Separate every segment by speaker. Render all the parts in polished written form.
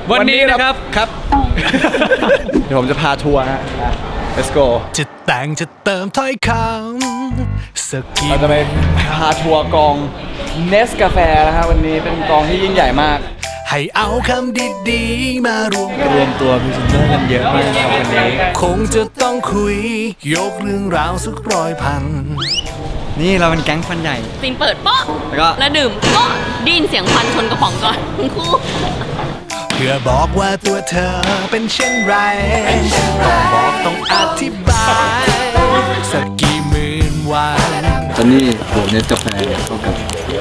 Speaker 1: วันนี้นะครับ
Speaker 2: ครับ เดี๋ยวผมจะพาทัวร์นะ let's go
Speaker 3: จะแต่งจะเติมถ้อยคำสักกี่
Speaker 2: เราจะไปพาทัวร์กองเนสกาแฟนะครับวันนี้เป็นกองที่ยิ่งใหญ่มาก
Speaker 3: ให้เอาคำดีๆมารวม
Speaker 2: รวมตัวพรีเซนเตอร์กันเยอะมากครับวันนี้
Speaker 3: คงจะต้องคุยยกเรื่องราวสัก100,000
Speaker 2: นี่เราเป็นแก๊งฟันใหญ่
Speaker 4: ซีนเปิดโป๊ะ
Speaker 2: แล้วก็
Speaker 4: แล้วดื่มโป๊ะไดยินเสียงควันชนกระป๋องก่อนทั้งคู่
Speaker 3: เพื่อบอกว่าตัวเธอเป็นเช่นไรต้องบอกต้องอธิบายสักกี่หมื่นวัน
Speaker 2: ตอนนี้หัวเนสกาแฟเข้ากับ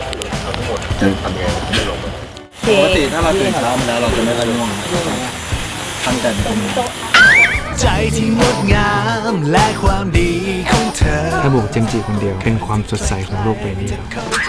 Speaker 2: ปกติถ้าเราตื่นเช้ามาแล้วเราจะไม่ค่อยง่วงตั้งแต่เป็น
Speaker 3: ใจที่งดงามและความดีของเธอ
Speaker 5: ถ้าบวกเจมส์จีคนเดียวเป็นความสดใสของโลกใบนี้แล้ว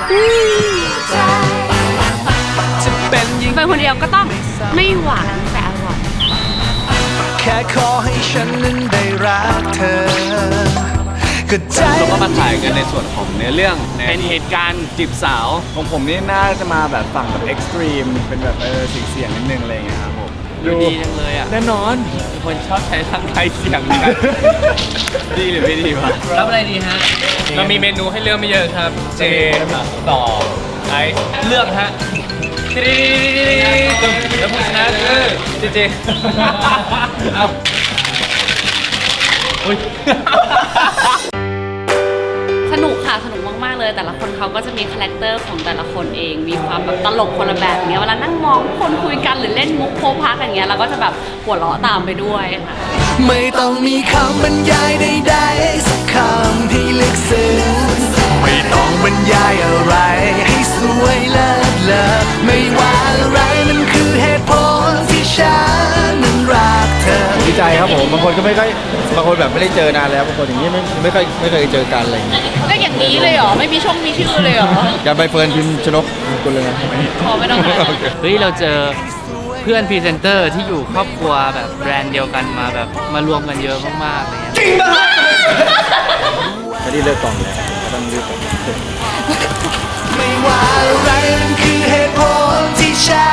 Speaker 3: จะเป็นยิ่ง
Speaker 4: เป็นคนเดียวก็ต้องไม่หวานแต่อร่อย
Speaker 3: แค่ขอให้ฉันนั้นได้รักเธอก็ใจ
Speaker 1: เราก็มาถ่ายกันในส่วนของเนื้อเรื่องเป็นเหตุการณ์จีบสาว
Speaker 2: ของผมนี่น่าจะมาแบบฝั่งแบบเอ็กซ์ตรีมเป็นแบบเสียงนิดนึงอะไรอย่างเงี้ยครับผม
Speaker 1: ดูดีจังเลยอ่ะแน่นอนเป็นคนชอบใช้ทางไทยเสียงเหมือนกันดีหรือไม่ดีวะรับอะไรดีฮะเรามีเมนูให้เลือกไม่เยอะครับ เจต่อไอซ์เลือกฮะแล้วผู้ชนะคือเจเอาอุ้ย
Speaker 4: สนุกค่ะสนุกมากๆเลย แต่ละคนเขาก็จะมีคาแรคเตอร์ของแต่ละคนเอง มีความแบบตลกคนละแบบอย่างเงี้ยเวลานั่งมองคนคุยกันหรือเล่นมุกโพพักอย่างเงี้ยเราก็จะแบบหัวเราะตามไปด้วยค่ะ
Speaker 3: ไม่ต้องมีคำบรรยายใดๆสักคำที่ลึกซึ้งไม่ต้องบรรยายอะไรให้สวยเลิศเลอไม่ว่าอะไรมันคือเหตุผลที่ฉันนั้นรักเธอ
Speaker 2: ดีใจครับผมบางคนก็ไม่ค่อยบางคนแบบไม่ได้เจอนานแล้วบางคนอย่างนี้ไม่เคยเจอกันอะไรอย่างเงี้ย
Speaker 4: ก็อย่างนี้เลยเหรอ ไม่มีช่องมีชื่อเลยเหรอ
Speaker 2: อย่าไปเฟิร์นพิมพ์ชนกคนเลยนะ
Speaker 4: พอไม่ต้องหา
Speaker 1: เฮ้ยเราเจอเพื่อนพรีเซนเตอร์ที่อยู่ครอบครัวแบบแบรนด์เดียวกันมาแบบมารวมกันเยอะมากๆอะไรเงี้ย
Speaker 2: ไม่ได้เลิกกล่องแล้วก็ต้องรีบ
Speaker 3: ไม่ว่าอะไรมันคือเหตุผลที่ฉั